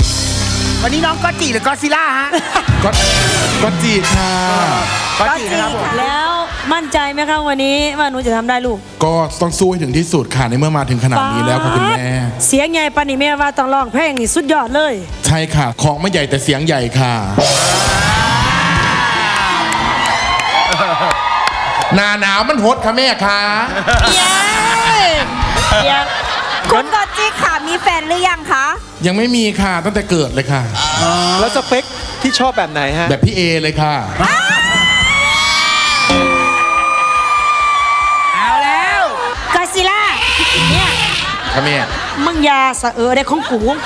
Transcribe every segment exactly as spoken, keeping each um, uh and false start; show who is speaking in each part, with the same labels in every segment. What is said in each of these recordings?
Speaker 1: วันนี้น้องก็จีหรือก็ซิล่าฮะ
Speaker 2: ก็ก็จีค่ะ
Speaker 1: ก็จีนะครับผม
Speaker 3: แล้วมั่นใจไหมคะวันนี้ว่าหนูจะทำได้ลูก
Speaker 2: ก็ต้องสู้ให้ถึงที่สุดค่ะในเมื่อมาถึงขนาดนี้แล้วค่ะคุณแม่
Speaker 3: เสียงใหญ่ปานนี้แม่ว่าต้องร้องเพลงนี่สุดยอดเลย
Speaker 2: ใช่ค่ะของไม่ใหญ่แต่เสียงใหญ่ค่ะหนาหนาวมันฮดค่ะแม่ค่ะ
Speaker 3: เย้เย้
Speaker 4: คุณกอตจิค่ะมีแฟนหรือยังคะ
Speaker 2: ยังไม่มีค่ะตั้งแต่เกิดเลยค่ะ
Speaker 5: แล้วสเปคที่ชอบแบบไหนฮะ
Speaker 2: แบบพี่เอเลยค่ะ
Speaker 1: เอาแล้ว
Speaker 3: กาซิล่าเนี่ย
Speaker 2: ค่ะแม่
Speaker 3: มึงอยาสะเออได้ของกูของกู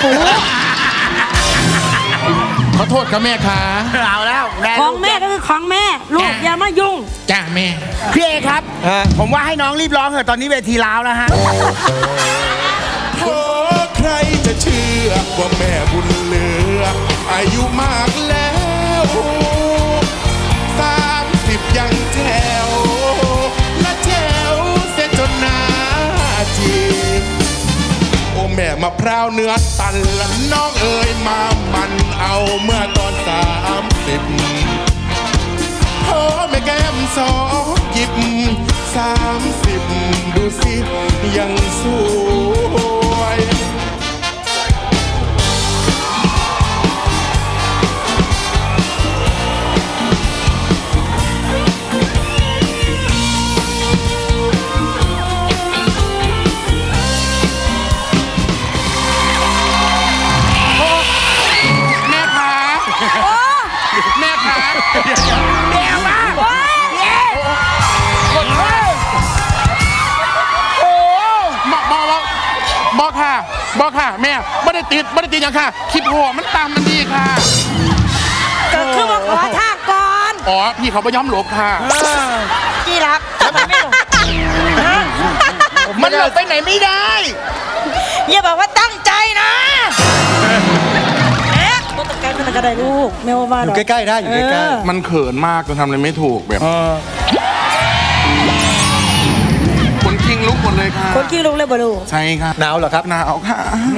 Speaker 2: ขอโทษค่ะแม่ค่ะ
Speaker 1: เอาแล้ว
Speaker 3: ของแม่ก็คือของแม่ลูกอย่ามายุ่ง
Speaker 2: จ้าแม่
Speaker 1: พี่เอครับ
Speaker 5: ฮะ
Speaker 1: ผมว่าให้น้องรีบร้องเถอะตอนนี้เวทีล้าวแล้วฮะ
Speaker 2: โอ้ใครจะเชื่อว่าแม่บุญเหลืออายุมากแล้วสามสิบยังแจ๋วและแจ๋วเสียจนหนาจีโอ้แม่มะพร้าวเนื้อตันและน้องเอ๋ยมามันเอาเมื่อตอนสามสิบโอ้แม่แก้มสองหยิบสามสิบดูสิยังสวย แม่คะแม่คะเดี๋ยวมาเย้กดเฮ้ยโอ้บอกบอกบอกบอกค่ะบอกค่ะแม่ไม่ได้ติดไม่ได้ติดอย่างค่ะคลิปหัวมันตามมันดีค่ะ
Speaker 3: ก็คือมาขอท่าก่อน
Speaker 2: อ๋อพี่เขาไปย้อมหลบค่ะ
Speaker 3: จีรักทำไมไม่ลง
Speaker 1: มันหลบไปไหนไม่ได้
Speaker 3: อย่าบอกว่าตั้งใจนะแอ๊ะตัวตะไคร้เป็นกระไดลูกแม่ว่าว่า
Speaker 5: อยู่ใกล้ๆได้อยู่ใกล้
Speaker 3: เออ
Speaker 2: มันเขินมากจนทำอะไรไม่ถูกแบบคนคิงลุกหมดเลยค่ะ
Speaker 3: คนขี้ลูกเลยบ่ลูก
Speaker 2: ใช่ค่ะ
Speaker 5: ๆหนาวเหรอครับ
Speaker 2: หนาวค่ะ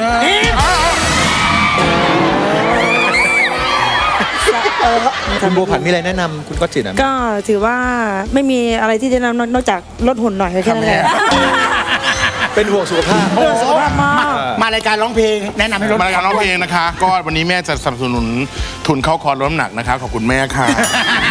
Speaker 5: คุณบัวผันมีอะไรแนะนำคุณก็จิตอ่ะ
Speaker 3: ก็ถือว่าไม่มีอะไรที่จะแนะนำนอกจากลดหุ่นหน่อยแค่นั้นแหละ
Speaker 5: เป็นห่วงสุขภาพ
Speaker 3: เรื่องสุขภาพมาก
Speaker 1: มารายการร้องเพลงแนะนำให้รถ
Speaker 2: มารายการร้องเพลงนะคะ ก็วันนี้แม่จะสนับสนุนทุนเข้าคอร์สลดน้ำหนักนะคะขอบคุณแม่ค่ะ